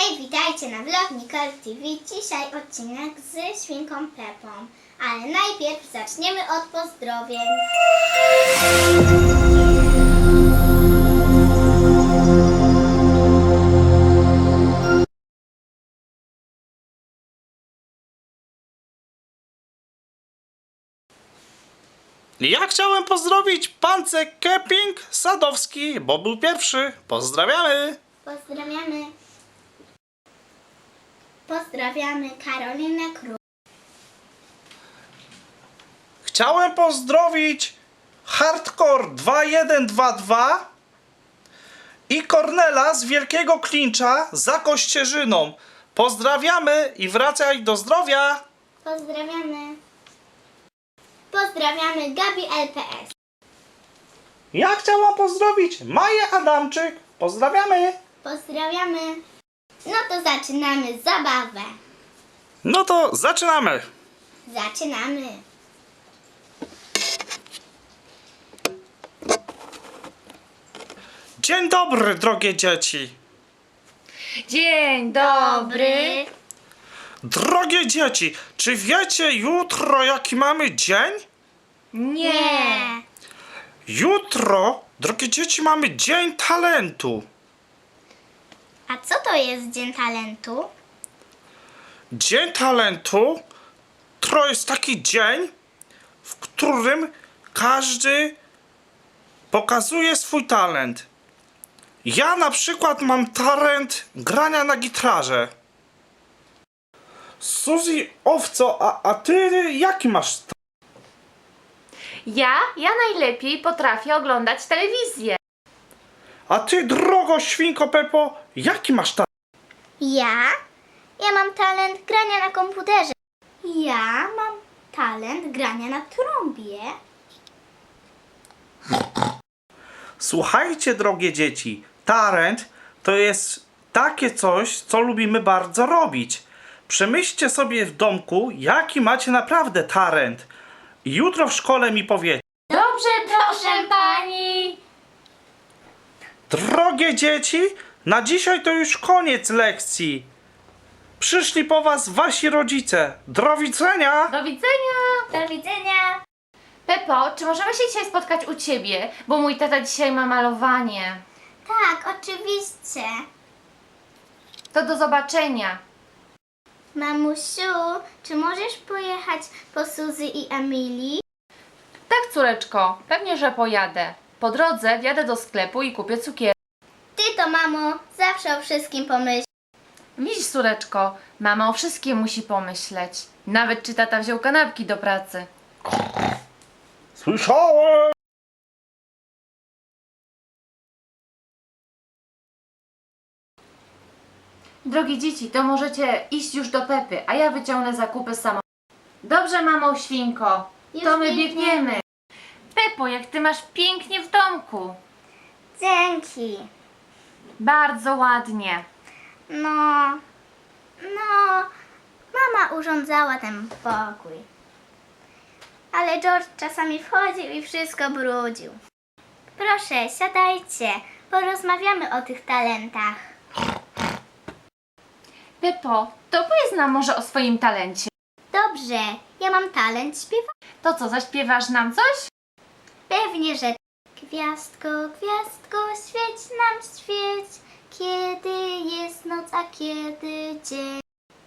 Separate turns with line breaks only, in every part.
Hej, witajcie na vlog Nicole TV. Dzisiaj odcinek z świnką Pepą. Ale najpierw zaczniemy od pozdrowień.
Ja chciałem pozdrowić Pance Kemping Sadowski, bo był pierwszy. Pozdrawiamy!
Pozdrawiamy. Pozdrawiamy Karolinę Król.
Chciałem pozdrowić Hardcore 2122 i Kornela z Wielkiego Klincza za Kościerzyną. Pozdrawiamy i wracaj do zdrowia!
Pozdrawiamy. Pozdrawiamy Gabi LPS.
Ja chciałam pozdrowić Maję Adamczyk. Pozdrawiamy!
Pozdrawiamy. No to zaczynamy zabawę.
No to zaczynamy!
Zaczynamy.
Dzień dobry, drogie dzieci!
Dzień dobry.
Drogie dzieci, czy wiecie jutro jaki mamy dzień?
Nie.
Jutro, drogie dzieci, mamy Dzień Talentu.
A co to jest Dzień Talentu?
Dzień Talentu to jest taki dzień, w którym każdy pokazuje swój talent. Ja na przykład mam talent grania na gitarze. Suzy, owco, a ty jaki masz talent?
Ja najlepiej potrafię oglądać telewizję.
A ty, drogo świnko Pepo, jaki masz talent?
Ja mam talent grania na komputerze. Ja mam talent grania na trąbie.
Słuchajcie, drogie dzieci, talent to jest takie coś, co lubimy bardzo robić. Przemyślcie sobie w domku, jaki macie naprawdę talent. I jutro w szkole mi powiecie.
Dobrze, proszę pani.
Drogie dzieci, na dzisiaj to już koniec lekcji. Przyszli po was wasi rodzice. Do widzenia!
Do widzenia.
Do widzenia.
Pepo, czy możemy się dzisiaj spotkać u ciebie? Bo mój tata dzisiaj ma malowanie.
Tak, oczywiście.
To do zobaczenia.
Mamusiu, czy możesz pojechać po Suzy i Emilii?
Tak, córeczko, pewnie, że pojadę. Po drodze wjadę do sklepu i kupię cukier.
Ty to, mamo, zawsze o wszystkim pomyśl.
Widzisz, córeczko, mama o wszystkim musi pomyśleć. Nawet czy tata wziął kanapki do pracy.
Słyszałem!
Drogie dzieci, to możecie iść już do Pepy, a ja wyciągnę zakupy sama. Dobrze, mamo świnko,
Już
to my
biegniemy.
biegniemy. Pepo, jak ty masz pięknie w domku.
Dzięki.
Bardzo ładnie.
No, mama urządzała ten pokój. Ale George czasami wchodził i wszystko brudził. Proszę, siadajcie, porozmawiamy o tych talentach.
Pepo, to powiedz nam może o swoim talencie.
Dobrze, ja mam talent śpiewania.
To co, zaśpiewasz nam coś?
Pewnie, że gwiazdko, gwiazdko, świeć nam świeć, kiedy jest noc, a kiedy dzień.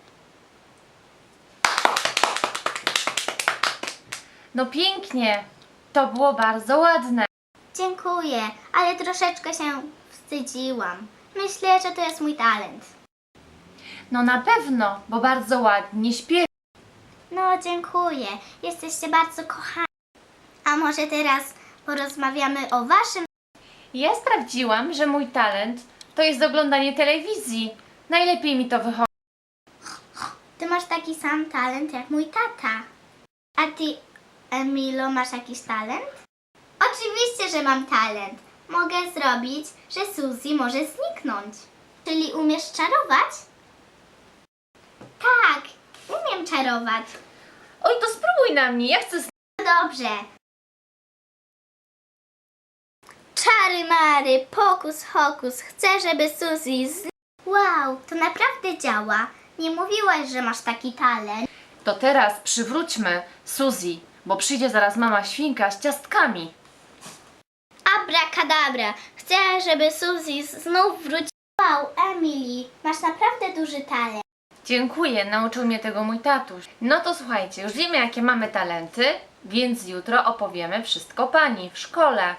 No pięknie, to było bardzo ładne.
Dziękuję, ale troszeczkę się wstydziłam. Myślę, że to jest mój talent.
No na pewno, bo bardzo ładnie śpiewasz.
No, dziękuję. Jesteście bardzo kochani. A może teraz porozmawiamy o waszym...
Ja sprawdziłam, że mój talent to jest oglądanie telewizji. Najlepiej mi to wychodzi.
Ty masz taki sam talent jak mój tata. A ty, Emilo, masz jakiś talent? Oczywiście, że mam talent. Mogę zrobić, że Suzy może zniknąć. Czyli umiesz czarować? Tak, umiem czarować.
Oj, to spróbuj na mnie, ja chcę...
Dobrze. Czary mary, pokus hokus, chcę, żeby Suzy Wow, to naprawdę działa. Nie mówiłaś, że masz taki talent.
To teraz przywróćmy Suzy, bo przyjdzie zaraz mama świnka z ciastkami.
Abracadabra. Chcę, żeby Suzy znów wróciła. Wow, Emily, masz naprawdę duży talent.
Dziękuję, nauczył mnie tego mój tatuś. No to słuchajcie, już wiemy jakie mamy talenty, więc jutro opowiemy wszystko pani w szkole.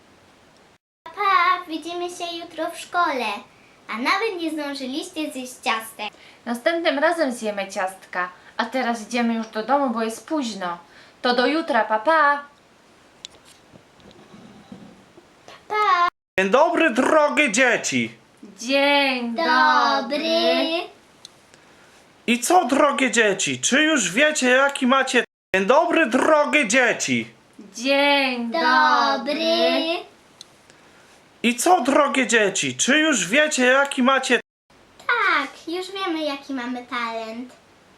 Pa, widzimy się jutro w szkole. A nawet nie zdążyliście zjeść ciastek.
Następnym razem zjemy ciastka, a teraz idziemy już do domu, bo jest późno. To do jutra, pa!
Pa,
Dzień dobry, drogie dzieci.
Dzień
dobry.
I co, drogie dzieci? Czy już wiecie, jaki macie... Dzień dobry, drogie dzieci.
Dzień
Dobry.
I co, drogie dzieci? Czy już wiecie, jaki macie...
Tak, już wiemy, jaki mamy talent.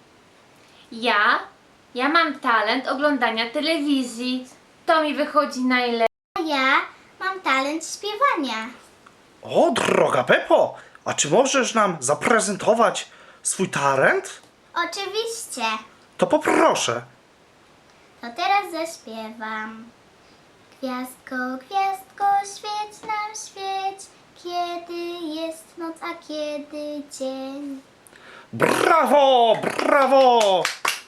Ja mam talent oglądania telewizji. To mi wychodzi najlepiej.
A ja mam talent śpiewania.
O, droga Pepo, a czy możesz nam zaprezentować swój talent?
Oczywiście.
To poproszę.
To teraz zaśpiewam. Gwiazdko, gwiazdko, świeć nam, świeć, kiedy jest noc, a kiedy dzień.
Brawo, brawo!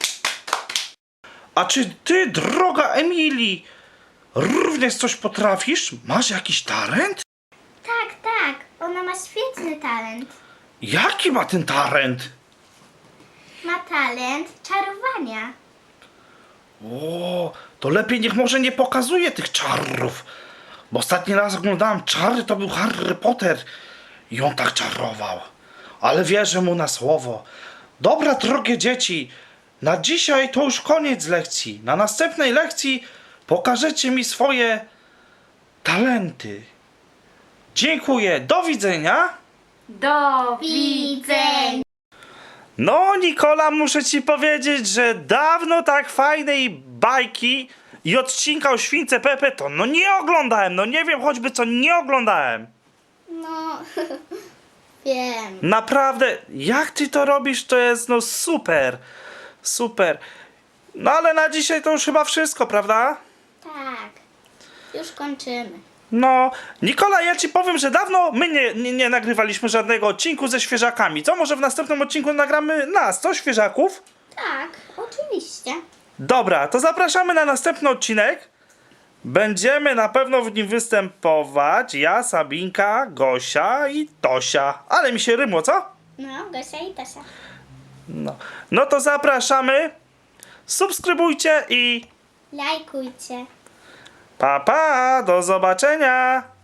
A czy ty, droga Emilii, również coś potrafisz? Masz jakiś talent?
Tak, tak, ona ma świetny talent.
Jaki ma ten talent?
Ma talent czarowania.
O, to lepiej niech może nie pokazuje tych czarów. Bo ostatni raz oglądałem czary, to był Harry Potter i on tak czarował. Ale wierzę mu na słowo. Dobra, drogie dzieci, na dzisiaj to już koniec lekcji. Na następnej lekcji pokażecie mi swoje talenty. Dziękuję, do widzenia.
Do
Widzenia.
No, Nikola, muszę ci powiedzieć, że dawno tak fajnej bajki i odcinka o śwince Pepe to no nie oglądałem. No nie wiem choćby co nie oglądałem.
No, wiem.
Naprawdę, jak ty to robisz, to jest no super. Super. No ale na dzisiaj to już chyba wszystko, prawda?
Tak, już kończymy.
No, Nikola, ja ci powiem, że dawno my nie nagrywaliśmy żadnego odcinku ze świeżakami. Co, może w następnym odcinku nagramy nas, co, świeżaków?
Tak, oczywiście.
Dobra, to zapraszamy na następny odcinek. Będziemy na pewno w nim występować ja, Sabinka, Gosia i Tosia. Ale mi się rymło, co?
No, Gosia i Tosia.
No to zapraszamy. Subskrybujcie i
Lajkujcie.
pa, do zobaczenia.